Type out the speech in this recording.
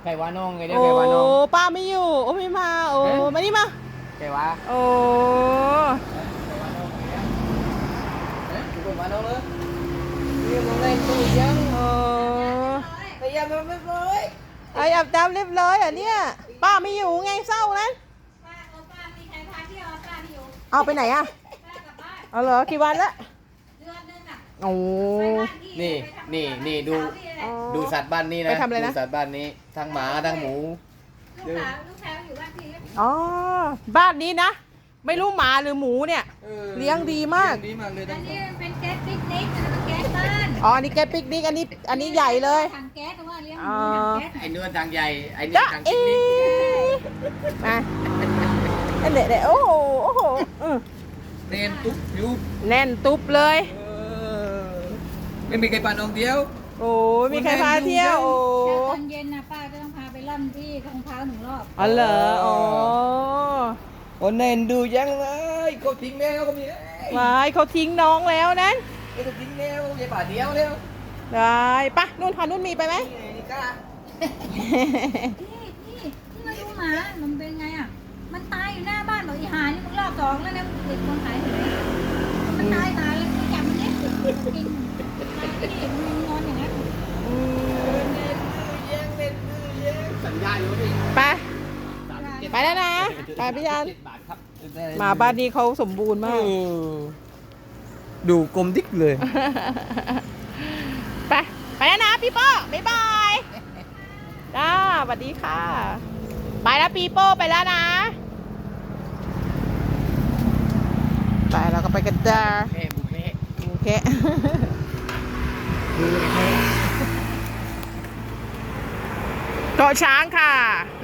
ไก่วาน้องไงเดี๋ยวโอ้ไก่วาน้องป้าไม่อยู่โอ้ไม่มาโอ้มานี่มาไก่วาโอ้ไก่วาน้องไก่วาน้องเลยนี่มองได้ตู้ยังโอ้แต่ยังไม่เลยไออาบน้ำเรียบร้อยอ่ะเนี่ยป้าไม่อยู่ไงเศร้านะป้ามีใครพาเที่ยวป้าไม่อยู่เอาไปไหนอ่ะป้ากลับบ้านเอาเหรอกี่วันละเดือนนึงอ่ะโอ้ไปบ้านพี่นี่ดูอ๋อดูสัตว์บ้านนี้นะไปทำอะไรนะดูสัตว์บ้านนี้ทั้งหมาทั้งหมูลูกชายอยู่บ้านพี่อ๋อบ้านนี้นะ ไม่รู้หมาหรือหมูเนี่ย เลี้ยงดีมากเลี้ยงดีมากเลยอัทั้นงนี้มันเป็นแก๊สปิกนิกมันเป็นแก๊สบ้านอ๋ออันนี้แกปิกนิกอันนี้ใหญ่เลยถังแก๊สแต่ว่าเลี้ยงหอ๋มูอถังแก๊สไอ้เนื้อทางใหญ่ไอ้เนื้อจ๊ะทางเอชิ้นนี้มาอันเด็ดโอ้โหโอ้โหอืมเรียนตุ๊บยุบแน่นตุ๊บเลยไม่มีใครปานองเดียวโอ้มีใครพาเที่ยวโอ้แต่ตอนเย็นนะป้าก็ต้องพาไปล่อนที่ทองเท้า1 รอบอ๋อเหรออ๋อคนเน้นดูยังเลยเขาทิ้งแมวก็มีวายเขาทิ้งน้องแล้วนะเขาทิ้งแมวอย่าป่าเดียวแล้วได้ปะนุ่นพานุ่นมีไปไหมนี่กล้าที่มาดูหมามันเป็นไงอ่ะมันตายอยู่หน้าบ้านบอกอีหานี่มึงรอบ2แล้วนะเด็กคนขายหวยมันตายหาแล้วมึงจับมันเนี่ยกินที่มึงนอนอย่างนั้นสัญญาอยู่พี่ไปไปแล้วนะไปพี่ยันบาทครับหมาบ้านนี้เขาสมบูรณ์มากดูกลมดิกเลยไปไปแล้วนะพี่โป้บ๊ายบายจ้าสวัสดีค่ะ ไปแล้วปีโป้ไปแล้วนะไปเราก็ไปกันจ้าแม่บุกแม่โอเคดูแม่เกาะช้างค่ะ